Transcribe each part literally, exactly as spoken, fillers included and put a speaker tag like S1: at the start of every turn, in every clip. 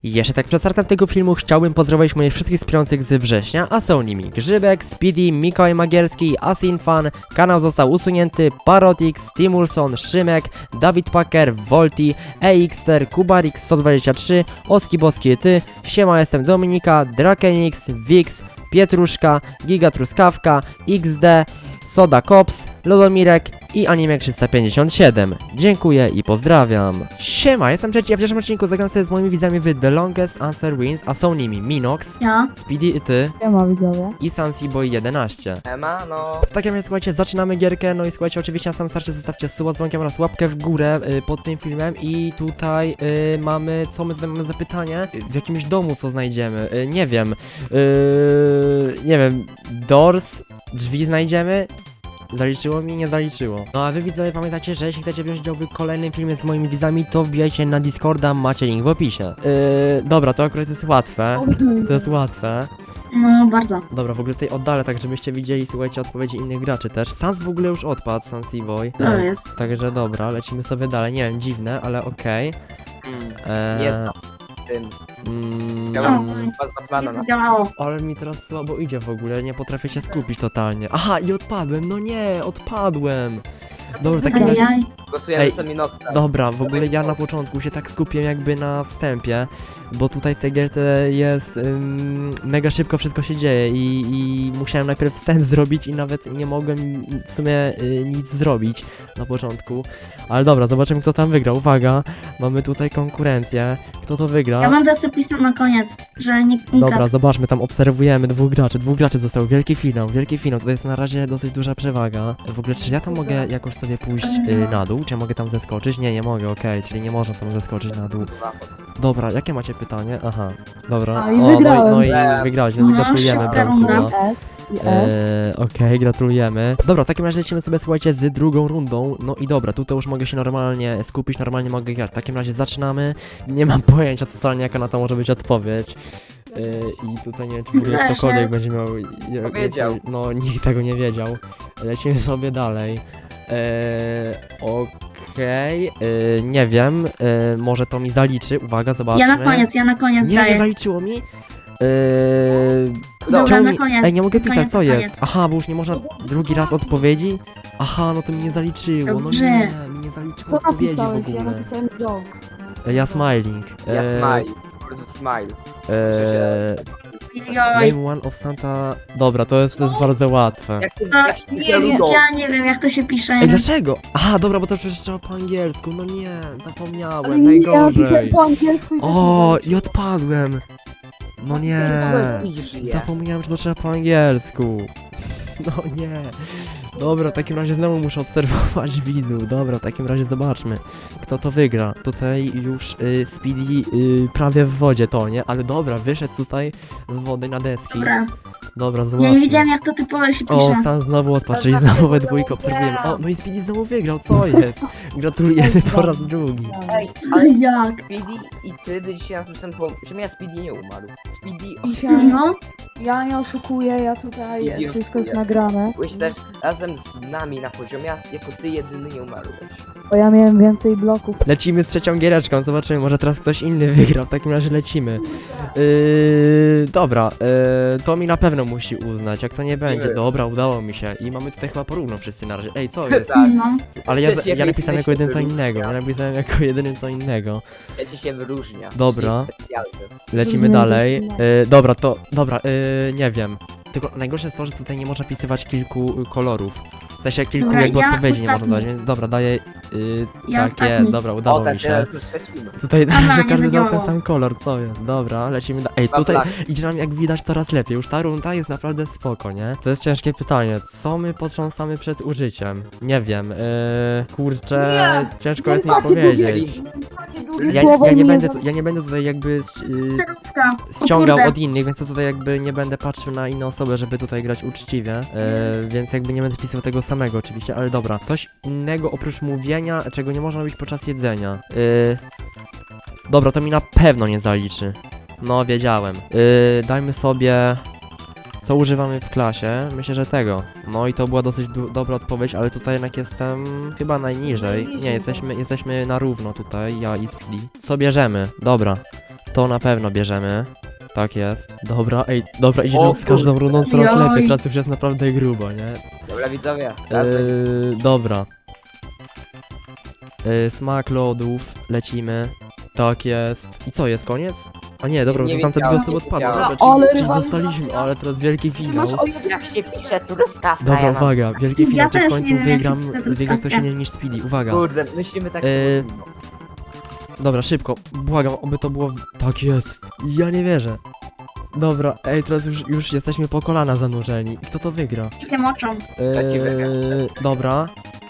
S1: Jeszcze tak przed startem tego filmu chciałbym pozdrowić moich wszystkich wspierających z września, a są nimi Grzybek, Speedy, Mikołaj Magierski, Asinfan, kanał został usunięty, Parotix, Timulson, Szymek, Dawid Packer, Volti, Exter, Kubarix sto dwadzieścia trzy, Oski Boski Ty, Siema jestem Dominika, Drakenix, Wix, Pietruszka, Giga Truskawka, X D, Soda Cops, Lodomirek i Anime trzysta pięćdziesiąt siedem. Dziękuję i pozdrawiam. Siema, jestem Trzeci, a w dzisiejszym odcinku zagram sobie z moimi widzami w The Longest Answer Wins, a są nimi Minox,
S2: Ja.
S1: Speedy i Ty
S3: Siema widzowie.
S1: i Sansiboy jedenaście.
S4: Ema, no.
S1: W takim razie słuchajcie, zaczynamy gierkę, no i słuchajcie, oczywiście na samym starcie zostawcie suba, dzwonkiem oraz łapkę w górę y, pod tym filmem i tutaj y, mamy, co my tutaj mamy za pytanie? Y, w jakimś domu co znajdziemy, y, nie wiem, y, nie wiem, doors, drzwi znajdziemy? Zaliczyło mi? Nie zaliczyło. No a wy widzowie pamiętacie, że jeśli chcecie wziąć udział w kolejnym filmie z moimi widzami, to wbijajcie na Discorda, macie link w opisie. Yy, dobra, to akurat jest łatwe. To jest łatwe.
S2: No bardzo.
S1: Dobra, w ogóle tutaj oddalę, tak żebyście widzieli, słuchajcie, odpowiedzi innych graczy też. Sans w ogóle już odpadł, Sansiboy.
S2: To jest.
S1: Także dobra, lecimy sobie dalej. Nie wiem, dziwne, ale okej.
S4: Mm,
S1: Eee,
S4: jest na tym.
S1: mm,
S4: Chciałem
S2: No.
S4: chyba z Batmana
S2: Nie
S4: na
S2: działało.
S1: ale mi teraz słabo idzie w ogóle, nie potrafię się skupić totalnie. Aha, i odpadłem, no nie, odpadłem. Dobra, w takim razie...
S2: Ajaj.
S4: Głosujemy
S1: Ej,
S4: sobie Nocta.
S1: Dobra, w ogóle ja na początku się tak skupiłem jakby na wstępie, bo tutaj w tej gierce jest ym, mega szybko wszystko się dzieje i, i musiałem najpierw wstęp zrobić i nawet nie mogłem w sumie y, nic zrobić na początku. Ale dobra, zobaczymy kto tam wygra. Uwaga, mamy tutaj konkurencję. Kto to wygra?
S2: Ja będę sobie pisał na koniec, że nikt nie
S1: Dobra, zobaczmy, tam obserwujemy dwóch graczy, dwóch graczy został, wielki finał, wielki finał, tutaj jest na razie dosyć duża przewaga. W ogóle, czy ja tam mogę jakoś sobie pójść y, na dół, czy ja mogę tam zeskoczyć? Nie, nie mogę, okej, czyli nie można tam zeskoczyć na dół. Dobra, jakie macie pytanie? Aha, dobra.
S3: A, i
S1: no,
S3: wygrałem.
S1: no, i, no
S4: Eee.
S1: i wygrałeś, więc
S2: No,
S1: gratulujemy,
S2: szybka
S1: Bramku.
S2: runda.
S1: No.
S3: S i S.
S1: Eee, Okej, gratulujemy. Dobra, w takim razie lecimy sobie, słuchajcie, z drugą rundą. No i dobra, tutaj już mogę się normalnie skupić, normalnie mogę grać. W takim razie zaczynamy. Nie mam pojęcia totalnie, jaka na to może być odpowiedź. Eee, I tutaj nie wiem, czy w ogóle
S2: Proszę.
S1: ktokolwiek będzie miał... jak- jak-
S4: Wiedział.
S1: No, nikt tego nie wiedział. Lecimy sobie dalej. Eee, Okej, eee, nie wiem, eee, może to mi zaliczy. Uwaga, zobaczmy.
S2: Ja na koniec, ja na koniec
S1: Nie, nie
S2: daję.
S1: zaliczyło mi. Eee,
S2: Dobra,
S1: czemu
S2: na
S1: mi-
S2: koniec.
S1: Ej, nie mogę
S2: na
S1: pisać,
S2: koniec,
S1: co
S2: na
S1: jest?
S2: koniec.
S1: Aha, bo już nie można drugi raz odpowiedzi? Aha, no to mi nie zaliczyło, no
S2: Dobrze.
S1: nie, mi nie zaliczyło
S3: Co
S1: odpowiedzi w
S3: napisałeś? Ja
S1: ogóle.
S3: napisałem joke.
S1: E, Ja smiling.
S4: Ja
S1: E,
S4: smile. Po prostu smile.
S1: e,
S2: Joj.
S1: Name one of Santa... Dobra, to jest, to jest bardzo łatwe.
S4: Jak to,
S2: No,
S4: jak się
S2: nie
S4: pisze
S2: wiem,
S4: Ludo.
S2: ja nie wiem jak to się pisze.
S1: Ej, dlaczego? Aha, dobra, bo to przecież trzeba po angielsku, no nie, zapomniałem,
S3: Ale nie, ja napisałem
S1: najgorzej.
S3: po angielsku i też
S1: O,
S3: nie
S1: i odpadłem. No nie,
S4: Widzisz, nie.
S1: zapomniałem, że to trzeba po angielsku. No nie. Dobra, w takim razie znowu muszę obserwować widzów. Dobra, w takim razie zobaczmy, kto to wygra. Tutaj już y, Speedy y, prawie w wodzie to, nie? Ale dobra, wyszedł tutaj z wody na deski.
S2: Dobra.
S1: Dobra,
S2: Ja
S1: zobaczmy.
S2: nie wiedziałem jak to typowo się
S1: O,
S2: pisze.
S1: Stan znowu odpadł, czyli znowu we dwójkę obserwujemy. O, no i Speedy znowu wygrał, co jest? Gratulujemy po raz drugi.
S4: Ej, ale
S2: Jak?
S4: Speedy i ty by dzisiaj na tym samym pomysł. Że ja Speedy nie umarł. Speedy
S3: Dzisiaj
S2: No,
S3: ja nie oszukuję, ja tutaj
S4: Nie
S3: wszystko jest
S4: oszukuję.
S3: nagrane.
S4: byłeś też razem z nami na poziomie, jako ty jedyny nie umarłeś.
S3: Bo ja miałem więcej bloków.
S1: Lecimy z trzecią giereczką, zobaczymy, może teraz ktoś inny wygra, w takim razie lecimy. Yy, dobra, yy, to mi na pewno musi uznać, jak to nie będzie.
S4: Nie.
S1: Dobra, udało mi się. I mamy tutaj chyba porówno wszyscy na razie. Ej, co jest?
S4: Tak.
S2: no.
S1: Ale ja,
S4: Przecież
S1: ja
S4: jak
S1: napisałem jako
S4: jesteś
S1: jeden co innego, ja
S4: wyróżnia.
S1: napisałem jako jedyny co innego.
S4: Ja ci się wyróżnia.
S1: Dobra.
S4: Jest specjalny.
S1: Lecimy
S3: Rozumiem,
S1: dalej.
S3: że-
S1: Yy, dobra, to, dobra, yy, nie wiem. Tylko najgorsze jest to, że tutaj nie można pisywać kilku y, kolorów. W sensie kilku
S2: Dobra,
S1: jakby
S2: ja
S1: odpowiedzi nie można
S2: ostatni.
S1: dać, więc dobra, daję... Yy,
S2: Ja
S1: tak
S2: ostatni.
S1: jest, dobra,
S4: O,
S1: udało mi
S4: teraz
S1: się.
S4: się świecimy.
S1: Tutaj
S2: Aha,
S1: że
S2: nie
S1: każdy dał ten
S2: zadziałało.
S1: sam kolor, co jest? Dobra, lecimy dalej. Ej,
S4: Dwa
S1: tutaj
S4: flagi.
S1: idzie nam jak widać coraz lepiej. Już ta runda jest naprawdę spoko, nie? To jest ciężkie pytanie. Co my potrząsamy przed użyciem? Nie wiem, yy, kurczę, ciężko jest mi
S3: Takie
S1: powiedzieć.
S3: Takie długie
S1: Ja,
S3: słowa
S1: ja,
S3: i
S1: nie
S3: mnie
S1: będę,
S3: za-
S1: tu- ja nie będę tutaj jakby yy,
S2: Kierówka. O
S1: ściągał
S2: kurde.
S1: od innych, więc ja tutaj jakby nie będę patrzył na inne osoby, żeby tutaj grać uczciwie, yy, więc jakby nie będę pisał tego samego oczywiście, ale dobra. Coś innego oprócz mówienia, czego nie można robić podczas jedzenia. Yy, dobra, to mi na pewno nie zaliczy. No, wiedziałem. Yy, dajmy sobie... Co używamy w klasie? Myślę, że tego. No i to była dosyć du- dobra odpowiedź, ale tutaj jednak jestem chyba najniżej. Nie, jesteśmy, jesteśmy na równo tutaj, ja i Speedy. Co bierzemy? Dobra. To na pewno bierzemy. Tak jest. Dobra, ej, dobra, idziemy
S4: O
S1: z każdą
S4: kurde.
S1: rundą coraz
S2: Joj.
S1: lepiej, teraz już jest naprawdę grubo, nie?
S4: Dobra widzowie, teraz będzie.
S1: Yy, dobra. Yy, smak lodów, lecimy. Tak jest. I co, jest koniec? A nie, dobra,
S4: Nie
S1: zostałem te dwie
S4: wiedziałem,
S1: osoby
S4: nie
S1: odpadły.
S4: wiedziałem.
S1: Dobra,
S3: Ale
S1: czyli, czyli
S3: rywalizacja.
S1: zostaliśmy, ale teraz wielki
S3: Ty masz
S1: finał.
S3: o jeden
S4: Jak się pisze truskawka,
S1: Dobra,
S4: ja mam.
S1: uwaga, wielki
S2: Ja
S1: finał, czy w
S2: też
S1: końcu
S2: nie wiem, jak
S1: wygram,
S2: się chce
S1: wygra ktoś
S2: truskawkę.
S1: inny niż Speedy, uwaga.
S4: Kurde, myślimy tak
S1: Yy,
S4: samo.
S1: Dobra, szybko, błagam, oby to było... w- Tak jest, ja nie wierzę. Dobra, ej, teraz już, już jesteśmy po kolana zanurzeni. I kto to wygra?
S2: Nie moczą.
S4: Ja ci wygram.
S1: Eee, dobra.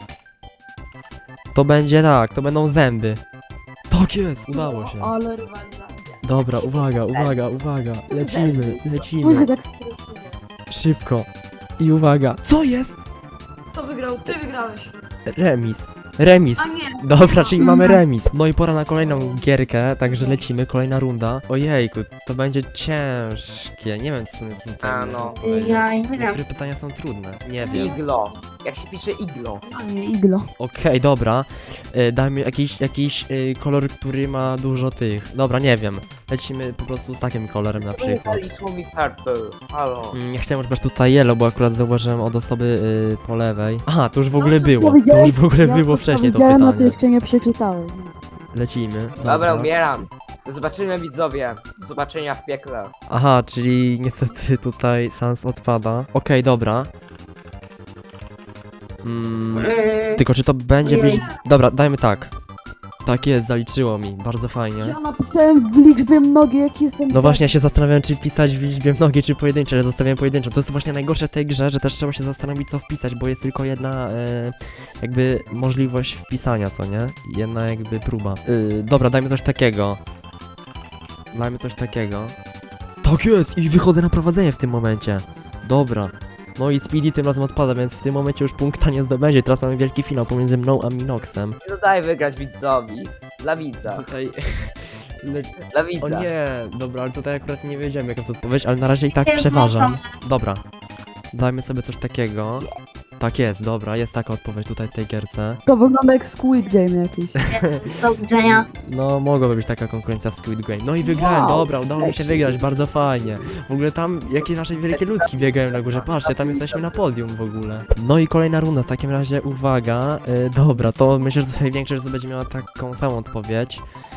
S1: To będzie tak, to będą zęby. Tak jest, udało się.
S3: Ale rywalizacja.
S1: Dobra,
S4: Jak się
S1: uwaga,
S4: pisze
S1: uwaga, uwaga. Lecimy,
S3: Może
S1: lecimy.
S3: tak stresuje.
S1: Szybko. I uwaga. Co jest?
S3: Kto wygrał? Ty wygrałeś.
S1: Remis. Remis.
S3: A nie.
S1: Dobra, czyli mamy remis. No i pora na kolejną gierkę, także lecimy, kolejna runda. Ojejku, to będzie ciężkie. Nie wiem, co to jest.
S4: A, no.
S2: Ja nie wygram.
S1: Niektóre pytania są trudne. Nie wiem.
S4: Iglo. Jak się pisze iglo?
S3: A nie, iglo.
S1: Okej, dobra. Y, dajmy jakiś, jakiś y, kolor, który ma dużo tych. Dobra, nie wiem. Lecimy po prostu z takim kolorem na
S4: To nie
S1: przykład.
S4: zaliczyło mi purple. Halo.
S1: Mm, Nie chciałem używać tutaj yellow, bo akurat zauważyłem od osoby y, po lewej. Aha, to już w ogóle
S3: co
S1: było. To
S3: powiedziałeś?
S1: już w ogóle
S3: Ja
S1: było
S3: to
S1: wcześniej to
S3: powiedziałem, a ty
S1: pytanie.
S3: jeszcze nie przeczytałeś.
S1: Lecimy.
S4: Dobra, umieram. Do zobaczenia widzowie. Do zobaczenia w piekle.
S1: Aha, czyli niestety tutaj Sans odpada. Okej, dobra. Mm,
S2: Yy,
S1: tylko czy to będzie w
S2: Ojej.
S1: liczbie... Dobra, dajmy tak. Tak jest, zaliczyło mi. Bardzo fajnie.
S3: Ja napisałem w liczbie mnogiej, jak jestem...
S1: No właśnie, ja się zastanawiałem, czy wpisać w liczbie mnogiej, czy pojedyncze, ale zostawiłem pojedynczą. To jest właśnie najgorsze w tej grze, że też trzeba się zastanowić, co wpisać, bo jest tylko jedna e, jakby możliwość wpisania, co nie? Jedna jakby próba. Yy, dobra, dajmy coś takiego. Dajmy coś takiego. Tak jest! I wychodzę na prowadzenie w tym momencie. Dobra. No i Speedy tym razem odpada, więc w tym momencie już punkta nie zdobędzie. Teraz mamy wielki finał pomiędzy mną a Minoxem.
S4: No daj wygrać widzowi. Dla widza.
S1: Tutaj... Le...
S4: Dla
S1: O
S4: widza.
S1: nie, dobra, ale tutaj akurat nie wiedziałem jaka jest odpowiedź, ale na razie i tak
S2: Nie
S1: przeważam.
S2: włączam.
S1: Dobra, dajmy sobie coś takiego. Tak jest, dobra, jest taka odpowiedź tutaj w tej gierce.
S3: To wygląda jak Squid Game jakiś.
S2: do widzenia.
S1: No, mogłaby być taka konkurencja w Squid Game. No i wygrałem,
S3: Wow,
S1: dobra, udało mi się
S3: lecimy.
S1: wygrać, bardzo fajnie. W ogóle tam, jakie nasze wielkie ludki biegają na górze, patrzcie, tam jesteśmy na podium w ogóle. No i kolejna runda, w takim razie, uwaga, y, dobra, to myślę, że tutaj większość będzie miała taką samą odpowiedź.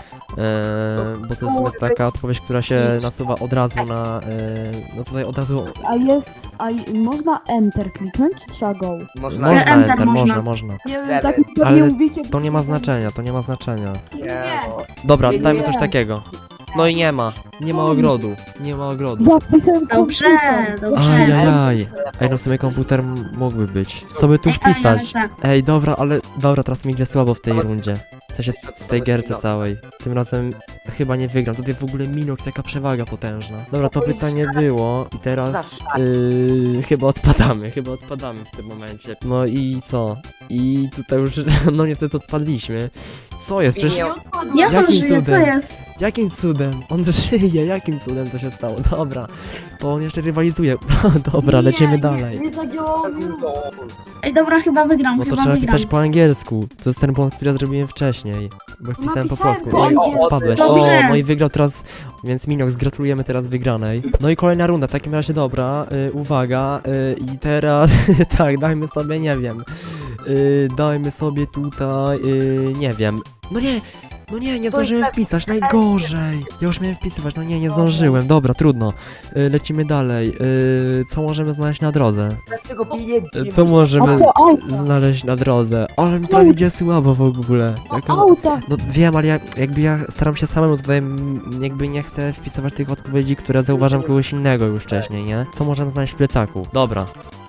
S1: Yy, bo to jest sobie taka odpowiedź, która się nasuwa od razu na... Yy, no tutaj od razu...
S3: A jest... A i- można Enter kliknąć, czy trzeba Go?
S4: Można.
S1: Można,
S2: Enter
S1: enter,
S2: można.
S1: można, można.
S3: Nie wiem,
S4: Lewy.
S3: tak mi pewnie
S1: Ale
S3: mówicie...
S1: To nie ma znaczenia, to nie ma znaczenia.
S4: Nie. no.
S1: Dobra,
S4: Nie, nie,
S1: dajmy
S3: nie.
S1: coś takiego. No i nie ma, nie ma ogrodu, nie ma ogrodu.
S3: Ja wpisałem
S2: Dobrze,
S3: komputer.
S2: dobrze.
S1: Ajajaj. Ej, no w sumie komputer m- mógłby być. Co by tu
S2: Ej, ale
S1: wpisać?
S2: lecę.
S1: Ej, dobra, ale... Dobra, teraz mi idzie słabo w tej
S4: Ale-
S1: rundzie. W sensie w tej gierce całej. Tym razem chyba nie wygram. Tutaj w ogóle Minox, jaka przewaga potężna. Dobra, to pytanie było i teraz...
S4: Zawsze.
S1: Yy, chyba odpadamy, chyba odpadamy w tym momencie. No i co? I tutaj już, no niestety odpadliśmy. Co jest? Przecież
S4: Nie.
S2: Jak on
S1: Jakim
S2: żyje, co
S1: cudem?
S2: jest?
S1: jakim cudem? On żyje, jakim cudem to się stało? Dobra, to on jeszcze rywalizuje. Dobra, lecimy
S3: Nie,
S1: dalej.
S3: Nie, nie zadziałało mi.
S2: Ej, dobra, chyba wygram,
S1: No to
S2: chyba
S1: trzeba
S2: wygram.
S1: pisać po angielsku. To jest ten błąd, który ja zrobiłem wcześniej. Bo wpisałem po
S3: Napisałem
S1: polsku.
S3: po
S1: Oj,
S3: angielsku.
S1: odpadłeś. O,
S2: Dobrze.
S1: no i wygrał teraz, więc Minox, gratulujemy teraz wygranej. No i kolejna runda, w takim razie dobra, y, uwaga, y, i teraz, tak, dajmy sobie, nie wiem, y, dajmy sobie tutaj, y, nie wiem, no nie, no nie, nie
S4: To jest
S1: zdążyłem
S4: tak-
S1: wpisać, najgorzej. Ja już miałem wpisywać, no nie, nie zdążyłem, dobra, trudno. Y, lecimy dalej, y, co możemy znaleźć na drodze?
S4: Dlaczego pieniędzy
S1: Y,
S4: nie
S1: Co
S4: masz?
S1: możemy
S3: A co, auta?
S1: znaleźć na drodze? Ale mi teraz idzie słabo w ogóle.
S3: A
S1: Jaka...
S3: auta.
S1: No wiem, ale ja, jakby ja staram się samemu tutaj, mm, jakby nie chcę wpisywać tych odpowiedzi, które zauważam kogoś innego już wcześniej, nie? Co możemy znaleźć w plecaku? Dobra.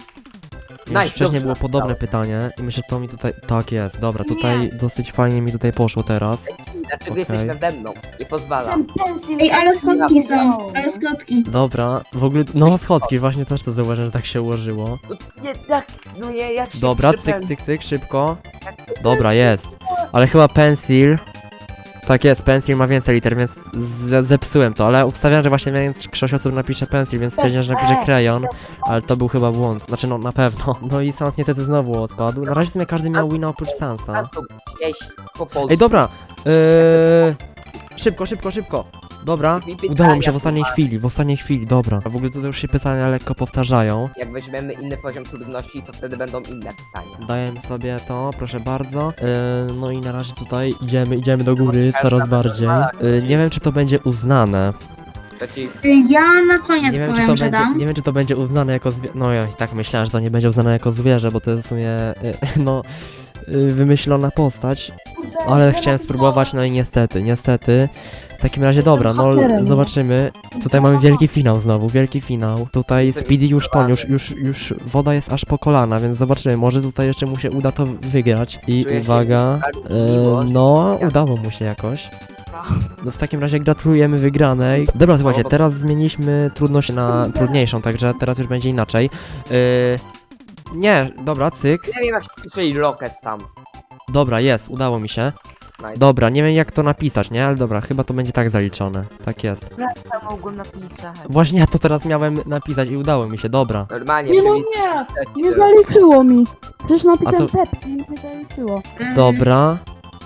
S1: Już
S4: Nice,
S1: wcześniej
S4: dobrze
S1: było podobne
S4: napisałeś.
S1: pytanie i myślę, że to mi tutaj... Tak jest, dobra, tutaj dosyć fajnie mi tutaj poszło teraz.
S4: Dlaczego
S1: Okej.
S4: jesteś nade mną? Nie pozwalam.
S3: Chcę pensję.
S2: Ej, ale schodki są,
S3: No.
S2: ale schodki.
S1: Dobra, w ogóle, no schodki, właśnie też to zauważyłem, że tak się ułożyło.
S4: No nie, tak, no nie, jak się
S1: Dobra,
S4: pisze
S1: cyk,
S4: pen-
S1: cyk, cyk, szybko.
S4: jak-
S1: Dobra, jest. Ale chyba pencil. Tak jest, pencil ma więcej liter, więc z- zepsułem to, ale obstawiam, że właśnie więc sześć osób napisze pencil, więc stwierdziłem, że napiszę krajon, ale to był chyba błąd. Znaczy no na pewno. No i Sans niestety znowu odpadł. Na razie w sumie każdy miał wina oprócz
S4: A
S1: Sansa.
S4: to gdzieś po polsku.
S1: Ej, dobra! Yy... Szybko, szybko, szybko! Dobra,
S4: I pytania
S1: udało mi się w ostatniej
S4: tu masz.
S1: chwili, w ostatniej chwili, dobra. A w ogóle tutaj już się pytania lekko powtarzają.
S4: Jak weźmiemy inny poziom trudności, to wtedy będą inne pytania.
S1: Dajemy sobie to, proszę bardzo. Yy, no i na razie tutaj idziemy, idziemy do góry coraz bardziej. Yy, nie wiem, czy to będzie uznane.
S4: To ci
S2: Ja na koniec
S1: Nie wiem, czy
S2: powiem,
S1: to
S2: że
S1: będzie,
S2: dam.
S1: nie wiem, czy to będzie uznane jako zwierzę. No ja i tak myślałem, że to nie będzie uznane jako zwierzę, bo to jest w sumie, yy, no, yy, wymyślona postać. Ale chciałem spróbować, no i niestety, niestety. W takim razie dobra, no
S3: hakerem.
S1: zobaczymy. Tutaj mamy wielki finał znowu, wielki finał. Tutaj
S4: Jestem
S1: Speedy już ton, już,
S4: zdenerwowany.
S1: już, już woda jest aż po kolana, więc zobaczymy, może tutaj jeszcze mu się uda to wygrać. I
S4: Czuję się
S1: uwaga,
S4: bardzo
S1: e,
S4: miło.
S1: no
S4: Ja-
S1: udało mu się jakoś. No w takim razie gratulujemy wygranej. Dobra, słuchajcie,
S4: bo-
S1: teraz zmieniliśmy trudność na trudniejszą, także teraz już będzie inaczej. E, nie, dobra, cyk.
S4: Nie wiem jak się pisze Lokes tam.
S1: Dobra, jest, udało mi się.
S4: Nice.
S1: Dobra, nie wiem jak to napisać, nie? Ale dobra, chyba to będzie tak zaliczone. Tak jest.
S4: Ja mogłem napisać.
S1: Właśnie ja to teraz miałem napisać i udało mi się, dobra.
S4: Normalnie,
S3: Nie no
S4: czyli...
S3: nie, nie zaliczyło mi. Przecież napisałem
S1: A co-
S3: Pepsi i nie zaliczyło.
S2: Mm,
S1: Dobra.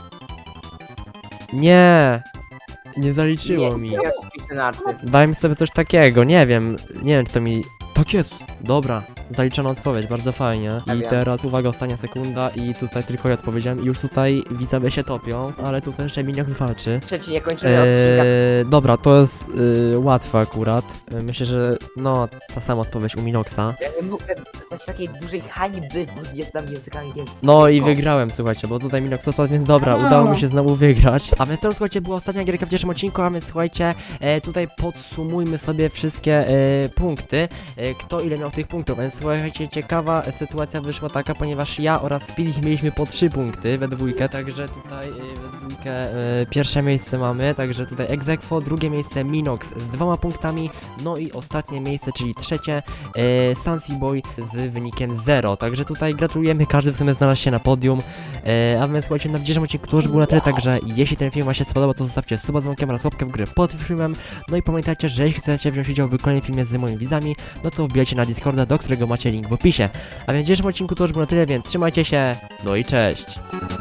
S1: Nie. Nie zaliczyło
S4: nie,
S1: mi.
S4: Nie, piszę na arty.
S1: Daj mi sobie coś takiego, nie wiem. Nie wiem czy to mi... Tak jest! Dobra, zaliczona odpowiedź, bardzo fajnie.
S4: Ja
S1: I
S4: wiem.
S1: teraz uwaga, ostatnia sekunda i tutaj tylko ja odpowiedziałem i już tutaj widzowie się topią, ale tutaj jeszcze Miniok zwalczy.
S4: Trzeci, nie kończymy odcinka.
S1: Eee, dobra, to jest yy, łatwe akurat. Yy, Myślę, że no, ta sama odpowiedź u Minoksa.
S4: Ja nie mogę dostać takiej dużej hańby, bo nie znam języka angielskiego.
S1: No i wygrałem, słuchajcie, bo tutaj Minox odpadł, więc dobra,
S3: Brawo.
S1: udało mi się znowu wygrać. A więc to, słuchajcie, była ostatnia gierka w dzisiejszym odcinku, a więc słuchajcie, e, tutaj podsumujmy sobie wszystkie e, punkty, e, kto ile miał tych punktów, więc słuchajcie, ciekawa sytuacja wyszła taka, ponieważ ja oraz Speedy mieliśmy po trzy punkty we dwójkę, także tutaj e, we dwójkę e, pierwsze miejsce mamy, także tutaj Exequo, drugie miejsce Minox z dwoma punktami, no i ostatnie miejsce, czyli trzecie, e, Sansi Boy z wynikiem zero, także tutaj gratulujemy, każdy w sumie znalazł się na podium, e, a więc słuchajcie, na dzisiejszym odcinku to już było na tyle, także jeśli ten film wam się spodobał, to zostawcie suba z dzwonkiem oraz łapkę w górę pod filmem, no i pamiętajcie, że jeśli chcecie wziąć udział w kolejnym filmie z moimi widzami, no to wbijajcie na Discorda, do którego macie link w opisie, a więc w dzisiejszym odcinku to już było na tyle, więc trzymajcie się, no i cześć!